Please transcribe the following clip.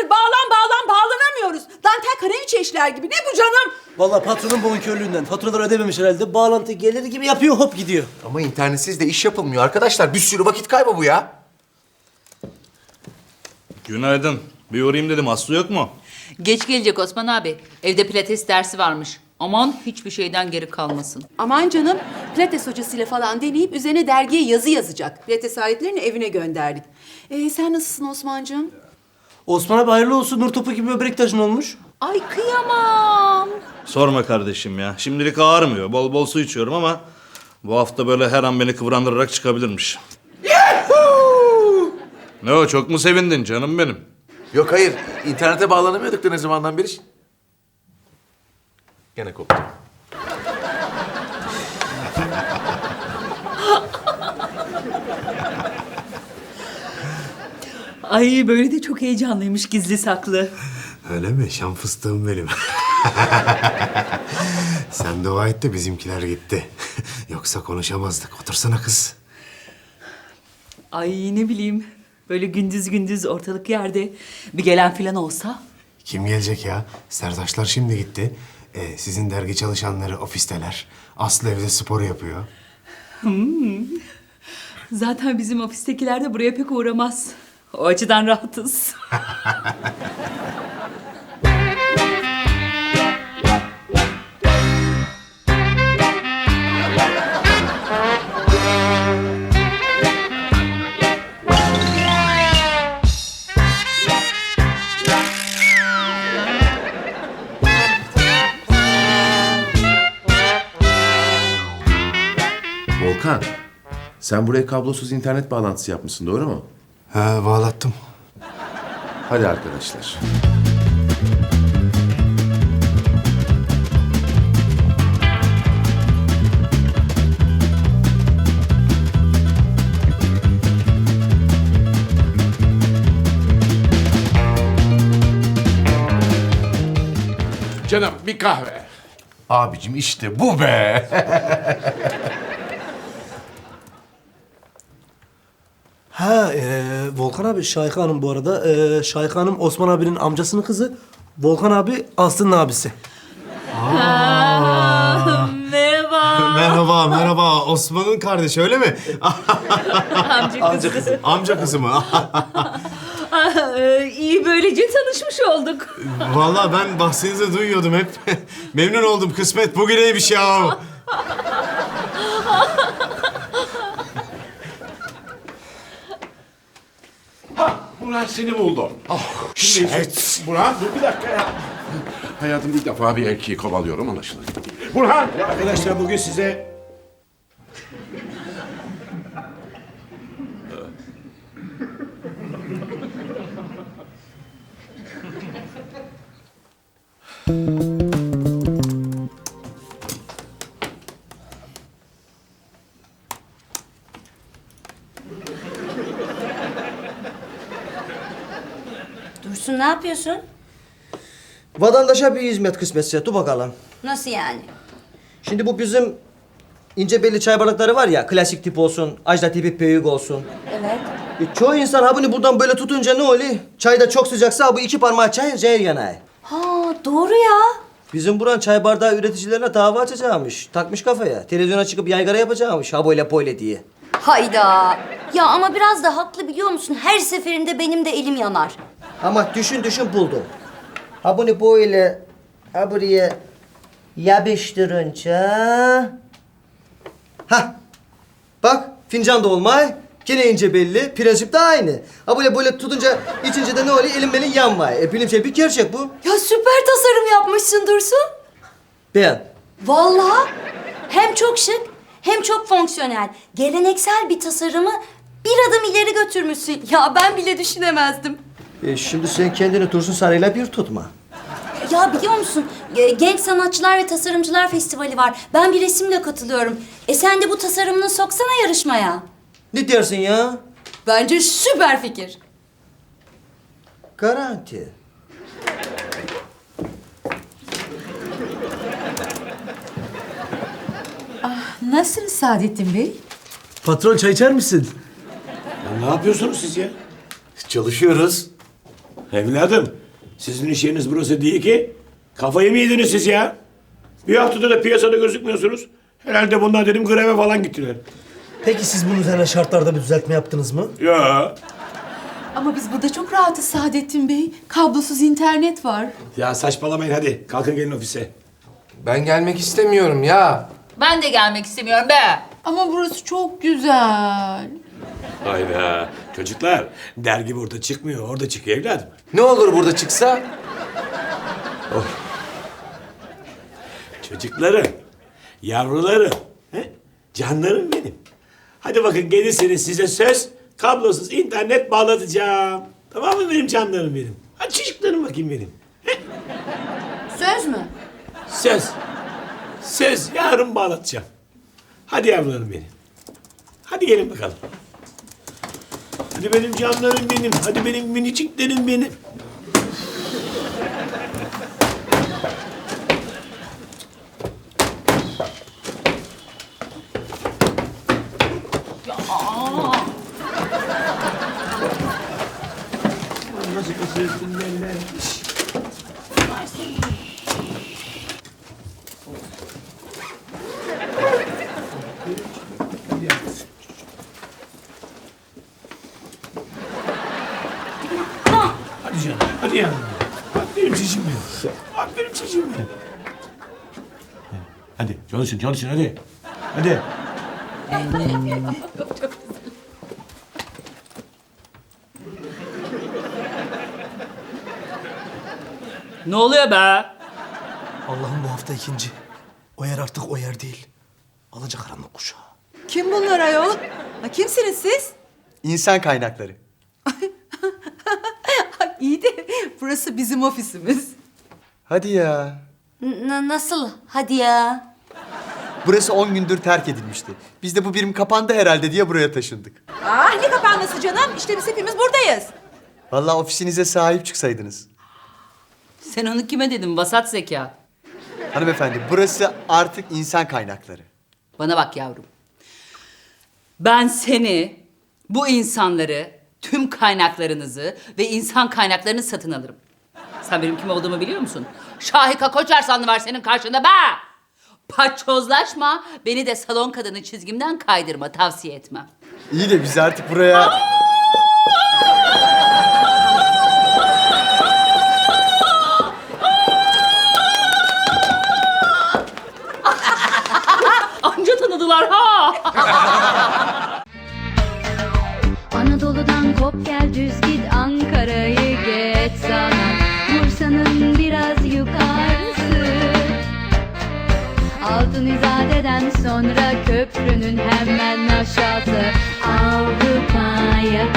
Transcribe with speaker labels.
Speaker 1: saattir bağlanamıyoruz. Dantel kraliçe işler gibi. Ne bu canım?
Speaker 2: Vallahi patronun bonkörlüğünden faturaları ödememiş herhalde. Bağlantı gelir gibi yapıyor, hop gidiyor.
Speaker 3: Ama internetsiz de iş yapılmıyor arkadaşlar. Bir sürü vakit kaybı bu ya.
Speaker 4: Günaydın. Bir uğrayayım dedim. Aslı yok mu?
Speaker 5: Geç gelecek Osman abi. Evde pilates dersi varmış. Aman hiçbir şeyden geri kalmasın.
Speaker 1: Aman canım, pilates hocasıyla falan deneyip üzerine dergiye yazı yazacak. Pilates aletlerini evine gönderdik. Sen nasılsın Osman'cığım?
Speaker 2: Osman abi hayırlı olsun. Nur topu gibi böbrek taşın olmuş.
Speaker 1: Ay kıyamam.
Speaker 4: Sorma kardeşim ya. Şimdilik ağrımıyor. Bol bol su içiyorum ama bu hafta böyle her an beni kıvrandırarak çıkabilirmiş. Ne o, çok mu sevindin canım benim?
Speaker 3: Yok hayır. İnternete bağlanamıyorduk da ne zamandan beri. Gene koptu.
Speaker 5: Ay böyle de çok heyecanlıymış gizli saklı.
Speaker 6: Öyle mi? Şam fıstığım benim. Sen dua et de bizimkiler gitti. Yoksa konuşamazdık. Otursana kız.
Speaker 5: Ay ne bileyim böyle gündüz gündüz ortalık yerde bir gelen filan olsa.
Speaker 6: Kim gelecek ya? Sertaçlar şimdi gitti. Sizin dergi çalışanları ofisteler. Aslı evde spor yapıyor.
Speaker 5: Zaten bizim ofistekiler de buraya pek uğramaz. O açıdan rahatız.
Speaker 7: Volkan, sen buraya kablosuz internet bağlantısı yapmışsın, doğru mu?
Speaker 6: Ha, bağlattım.
Speaker 7: Hadi arkadaşlar.
Speaker 8: Canım bir kahve.
Speaker 3: Abicim işte bu be.
Speaker 2: Ha, Volkan abi Şahika Hanım bu arada. Şahika Hanım Osman abinin amcasının kızı. Volkan abi Aslı'nın abisi.
Speaker 5: Merhaba.
Speaker 6: Merhaba, merhaba. Osman'ın kardeşi öyle mi?
Speaker 5: Amca kızı.
Speaker 6: Amca kızı mı?
Speaker 5: İyi böylece tanışmış olduk.
Speaker 6: Vallahi ben bahsinizi duyuyordum hep. Memnun oldum. Kısmet bugüneymiş ya.
Speaker 8: Burhan seni buldum. Şimdi Burhan dur bir dakika ya. Hayatımda ilk defa bir erkeği kovalıyorum anlaşılan. Burhan! Ya arkadaşlar bugün size...
Speaker 9: Dursun ne yapıyorsun?
Speaker 10: Vatandaşa bir hizmet kısmetse, dur bakalım.
Speaker 9: Nasıl yani?
Speaker 10: Şimdi bu bizim ince belli çay bardakları var ya, klasik tip olsun, ajda tipi büyük olsun.
Speaker 9: Evet.
Speaker 10: Çoğu insan ha bunu buradan böyle tutunca ne oluyor? Çay da çok sıcaksa bu iki parmağı çay zehir yanar.
Speaker 9: Ha doğru ya.
Speaker 10: Bizim buranın çay bardağı üreticilerine dava açacakmış. Takmış kafaya. Televizyona çıkıp yaygara yapacakmış ha böyle diye.
Speaker 9: Hayda. Ya ama biraz da haklı biliyor musun? Her seferinde benim de elim yanar.
Speaker 10: Ama düşün buldum. Ha bunu böyle ha buraya yapıştırınca... Ha bak fincan da olmay. Gene ince belli. Prensip de aynı. Ha böyle tutunca içince de ne oluyor? Elim benim yanmay. Bilimsel bir gerçek bu.
Speaker 9: Ya süper tasarım yapmışsın Dursun.
Speaker 10: Ben.
Speaker 9: Vallahi hem çok şık hem çok fonksiyonel. Geleneksel bir tasarımı bir adım ileri götürmüşsün. Ya ben bile düşünemezdim.
Speaker 10: Şimdi sen kendini Dursun Sarı'yla bir tutma.
Speaker 9: Ya biliyor musun? Genç Sanatçılar ve Tasarımcılar Festivali var. Ben bir resimle katılıyorum. Sen de bu tasarımını soksana yarışmaya.
Speaker 10: Ne dersin ya?
Speaker 9: Bence süper fikir.
Speaker 10: Garanti.
Speaker 1: Nasılsınız Saadettin Bey?
Speaker 2: Patron çay içer misin?
Speaker 8: Ne yapıyorsunuz siz ya?
Speaker 3: Çalışıyoruz.
Speaker 8: Evladım, sizin iş yeriniz burası değil ki. Kafayı mı yediniz siz ya? Bir haftada da piyasada gözükmüyorsunuz. Herhalde bunlar dedim greve falan gittiler.
Speaker 2: Peki siz bunun üzerine şartlarda bir düzeltme yaptınız mı?
Speaker 8: Ya.
Speaker 1: Ama biz burada çok rahatız Saadettin Bey. Kablosuz internet var.
Speaker 8: Ya saçmalamayın hadi. Kalkın gelin ofise.
Speaker 3: Ben gelmek istemiyorum ya.
Speaker 5: Ben de gelmek istemiyorum be.
Speaker 1: Ama burası çok güzel.
Speaker 8: Hayda. Çocuklar, dergi burada çıkmıyor. Orada çıkıyor evladım.
Speaker 3: Ne olur burada çıksa?
Speaker 8: Çocuklarım, yavrularım, he? Canlarım benim. Hadi bakın gelirseniz size söz, kablosuz internet bağlatacağım. Tamam mı benim canlarım benim? Hadi çocuklarım bakayım benim.
Speaker 1: Söz mü?
Speaker 8: Söz. Söz, yarın bağlatacağım. Hadi yavrularım benim. Hadi gelin bakalım. Hadi benim canlarım benim. Hadi benim miniciklerim benim. Nasıl kısıyorsun benimle? Hadi canım, hadi ya. Aferin çocuğum benim. Aferin çocuğum benim. Hadi çalışın, çalışın hadi. Hadi.
Speaker 5: Ne oluyor be?
Speaker 2: Allah'ım bu hafta ikinci. O yer artık o yer değil. Alacakaranlık kuşağı.
Speaker 1: Kim bunlar ayol? Ha, kimsiniz siz?
Speaker 10: İnsan kaynakları.
Speaker 1: İyi de burası bizim ofisimiz.
Speaker 10: Hadi ya.
Speaker 9: Nasıl? Hadi ya.
Speaker 10: Burası 10 gündür terk edilmişti. Biz de bu birim kapandı herhalde diye buraya taşındık.
Speaker 1: Ah ne kapanması canım? İşte biz hepimiz buradayız.
Speaker 10: Vallahi ofisinize sahip çıksaydınız.
Speaker 5: Sen onu kime dedin vasat zeka?
Speaker 10: Hanımefendi burası artık insan kaynakları.
Speaker 5: Bana bak yavrum. Ben seni, bu insanları, tüm kaynaklarınızı ve insan kaynaklarını satın alırım. Sen benim kim olduğumu biliyor musun? Şahika Koçarsanlı var senin karşında be! Paçozlaşma, beni de salon kadını çizgimden kaydırma, tavsiye etmem.
Speaker 10: İyi de biz artık buraya...
Speaker 5: Anca tanıdılar ha!
Speaker 11: Anadolu'dan kop gel düz git Ankara'yı geç sana Bursa'nın biraz yukarısı Altın İzade'den sonra köprünün hemen aşağısı Avrupa yakası